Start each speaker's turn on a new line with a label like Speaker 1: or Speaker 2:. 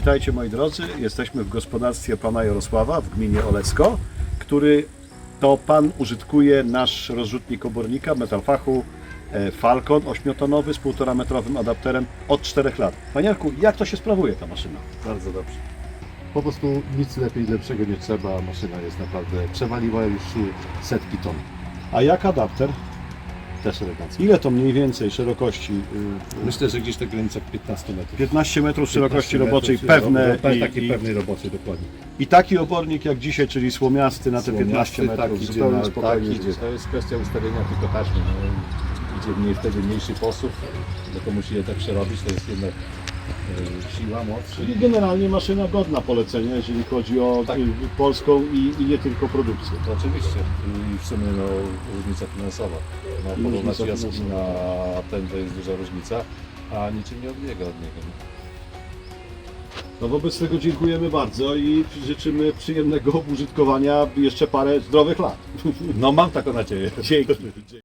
Speaker 1: Witajcie moi drodzy, jesteśmy w gospodarstwie pana Jarosława w gminie Olecko, który to pan użytkuje nasz rozrzutnik obornika Metalfachu Falcon 8-tonowy z 1,5 metrowym adapterem od 4 lat. Panie Jarku, jak to się sprawuje ta maszyna?
Speaker 2: Bardzo dobrze. Po prostu nic lepiej, lepszego nie trzeba. Maszyna jest naprawdę, przewaliła już setki ton.
Speaker 1: A jak adapter?
Speaker 2: Też elegancko.
Speaker 1: Ile to mniej więcej szerokości?
Speaker 2: Myślę, że gdzieś na granicach 15 metrów.
Speaker 1: 15 metrów szerokości
Speaker 2: 15
Speaker 1: roboczej,
Speaker 2: metrów,
Speaker 1: pewne
Speaker 2: takiej pewnej roboczej, dokładnie.
Speaker 1: i taki obornik jak dzisiaj, czyli słomiasty na te 15
Speaker 2: Słomiasty,
Speaker 1: metrów,
Speaker 2: tak,
Speaker 1: zupełnie
Speaker 2: idzie,
Speaker 1: spokojnie.
Speaker 2: tak, idzie. To jest kwestia ustawienia tylko taśmy. No, idzie wtedy mniejszy posuw, bo to musi je tak przerobić, to jest jednak siła, moc.
Speaker 1: Czyli generalnie maszyna godna polecenia, jeżeli chodzi o
Speaker 2: Tak.
Speaker 1: polską i nie tylko produkcję.
Speaker 2: To oczywiście. I w sumie no, różnica finansowa. No,
Speaker 1: I
Speaker 2: porównać
Speaker 1: różnica
Speaker 2: jaskini
Speaker 1: finansowa.
Speaker 2: na ten to jest duża różnica, a niczym nie odbiega od niego.
Speaker 1: No wobec tego dziękujemy bardzo i życzymy przyjemnego użytkowania jeszcze parę zdrowych lat.
Speaker 2: No mam taką nadzieję.
Speaker 1: Dzięki.